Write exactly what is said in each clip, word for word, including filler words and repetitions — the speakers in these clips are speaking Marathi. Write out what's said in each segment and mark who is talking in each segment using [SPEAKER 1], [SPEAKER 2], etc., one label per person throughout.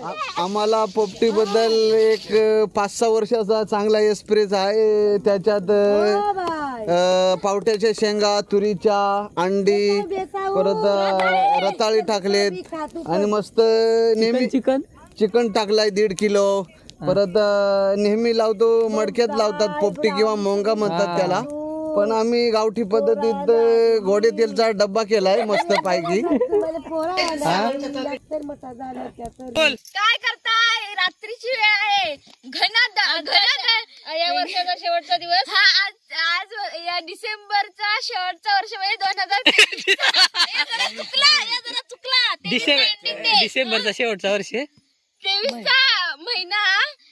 [SPEAKER 1] आम्हाला पोपटी बद्दल एक पाच सहा वर्षाचा चांगला एक्सपिरियन्स आहे. त्याच्यात अ, पावट्याच्या शेंगा, तुरीच्या अंडी, परत रताळी टाकलेत आणि मस्त नेहमी
[SPEAKER 2] चिकन
[SPEAKER 1] चिकन टाकलाय दीड किलो. परत नेहमी लावतो मडक्यात लावतात पोपटी किंवा मोंगा म्हणतात त्याला, पण आम्ही गावठी पद्धतीत गोडे तेलचा डब्बा केलाय मस्त पैकी.
[SPEAKER 3] काय करताय? रात्रीची वेळ आहे, घनात घनात या वर्षाचा शेवटचा दिवस हा. आज आज या डिसेंबरचा शेवटचा वर्ष म्हणजे दोन हजार चुकला या जरा चुकला
[SPEAKER 2] डिसेंबरचा शेवटचा वर्ष
[SPEAKER 3] तेवीसचा महिना.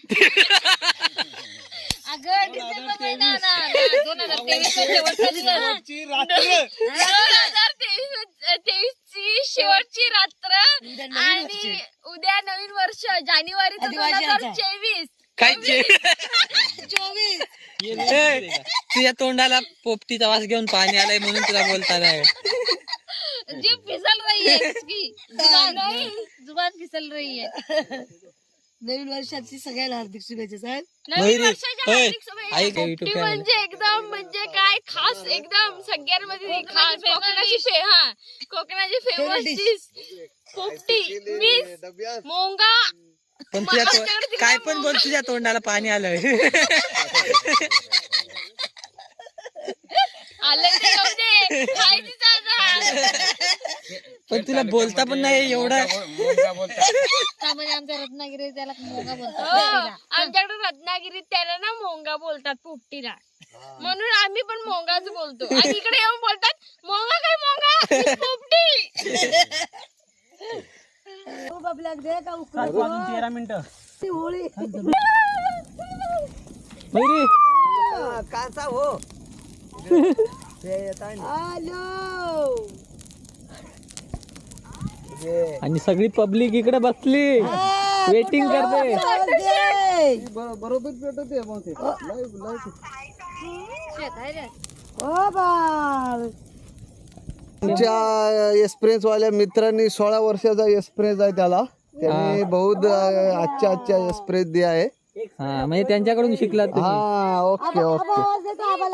[SPEAKER 3] अगं डिसेंबर महिना ना दोन हजार तेवीस शेवटचा दिवस, दोन हजार तेवीस तेवीस ची शेवटची रात्र आणि उद्या नवीन वर्ष जानेवारी दोन हजार चोवीस.
[SPEAKER 2] काय
[SPEAKER 3] चोवीस
[SPEAKER 2] तुझ्या तोंडाला पोपटीचा वास घेऊन पाणी आलाय म्हणून तुला बोलता नाही.
[SPEAKER 3] जी फिसल रही है इसकी जुबान नहीं, जुबान फिसल रही है.
[SPEAKER 4] नवीन वर्षाची सगळ्याला हार्दिक शुभेच्छा साहेब.
[SPEAKER 3] नवीन वर्षाच्या हार्दिक शुभेच्छा. पोपटी म्हणजे एकदम म्हणजे काय खास, एकदम सगळ्यांमध्ये खास कोकणाची फे हा कोकणाची फेमस डिश पोपटी मिस मोंगा.
[SPEAKER 2] पण तुझ्या काय पण बोल, तुझ्या तोंडाला पाणी आलंय.
[SPEAKER 3] आलं ते जाऊ दे, खायची जागा.
[SPEAKER 2] पण तुला बोलता पण नाही एवढं.
[SPEAKER 4] त्यामध्ये आमच्या रत्नागिरी त्याला मोंगा बोलतात.
[SPEAKER 3] हो, आमच्याकडे रत्नागिरीत त्याला ना मोंगा बोलतात पोपटीला, म्हणून आम्ही पण मोंगाच बोलतो. आणि इकडे येऊन बोलतात मोंगा काय मोंगा पोपटी.
[SPEAKER 2] तेरा मिनिटं
[SPEAKER 4] होळी
[SPEAKER 1] काचा हो
[SPEAKER 2] आणि सगळी पब्लिक इकडे बसली वेटिंग करते.
[SPEAKER 1] बरोबर पेटत आहे मग ते आमच्या एक्सपिरियन्स वाल्या मित्रांनी सोळा वर्षाचा एक्सपिरियन्स आहे त्याला. त्याने बहुत अच्छा अच्छा एक्सपिरियन्स दिया आहे.
[SPEAKER 2] हा म्हणजे त्यांच्याकडून शिकला तुम्ही.
[SPEAKER 1] हा ओके ओके.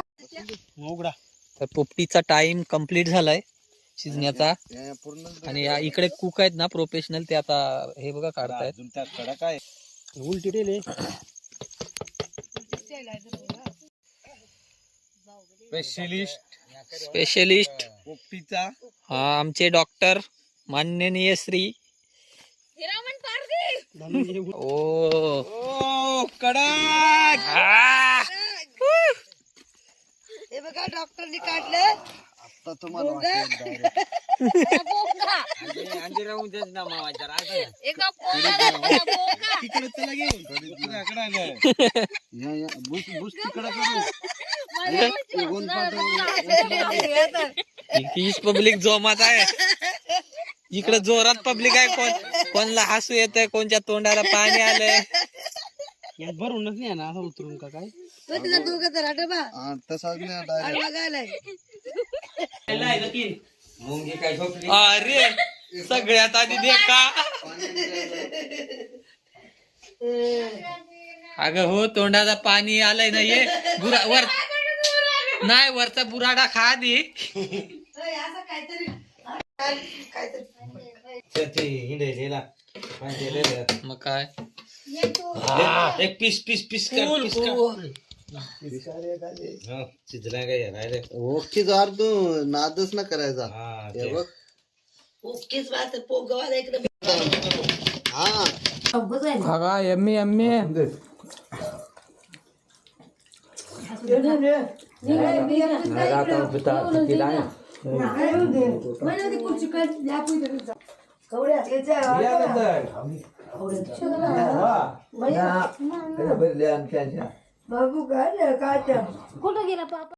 [SPEAKER 2] तर पोपटीचा टाइम कंप्लीट झालाय शिजण्याचा. आणि या इकडे कुक आहेत ना प्रोफेशनल, ते आता हे बघा काढतायत. उलटी टेले
[SPEAKER 1] स्पेशलिस्ट
[SPEAKER 2] स्पेशलिस्ट
[SPEAKER 1] पोपटीचा
[SPEAKER 2] हा आमचे डॉक्टर माननीय श्री
[SPEAKER 3] हिरामन पारदी.
[SPEAKER 2] ओ
[SPEAKER 1] कडक.
[SPEAKER 4] हे बघा डॉक्टरनी काढले.
[SPEAKER 1] आता तुम्हाला
[SPEAKER 3] एका पोंगा पोंगा
[SPEAKER 1] तिकडे चला घेऊन
[SPEAKER 2] तीस पब्लिक जोमात आहे. इकडे जोरात पब्लिक आहे. कोण कोणला हसू येतंय, कोणच्या तोंडाला पाणी आलंय. भरूनच नाही ना असं उतरून का काय
[SPEAKER 4] दोघं तर डबा
[SPEAKER 1] तसाच नाही
[SPEAKER 4] बघायलाय.
[SPEAKER 2] अरे सगळ्यात आधी देखा. अगं हो तोंडाला पाणी आलंय ना. ये बुरा वर नाही, वरचा बुराडा खा आधी. मग काय
[SPEAKER 5] एक पीस पीस पीस
[SPEAKER 1] ओके जार तू नादच ना करायचा. हे बघ
[SPEAKER 4] ओकेच बात पोगवाला इकडे.
[SPEAKER 1] हा
[SPEAKER 2] बघा एम्मी एम्मी
[SPEAKER 4] बाबू काय काय कुठं गेला पापा.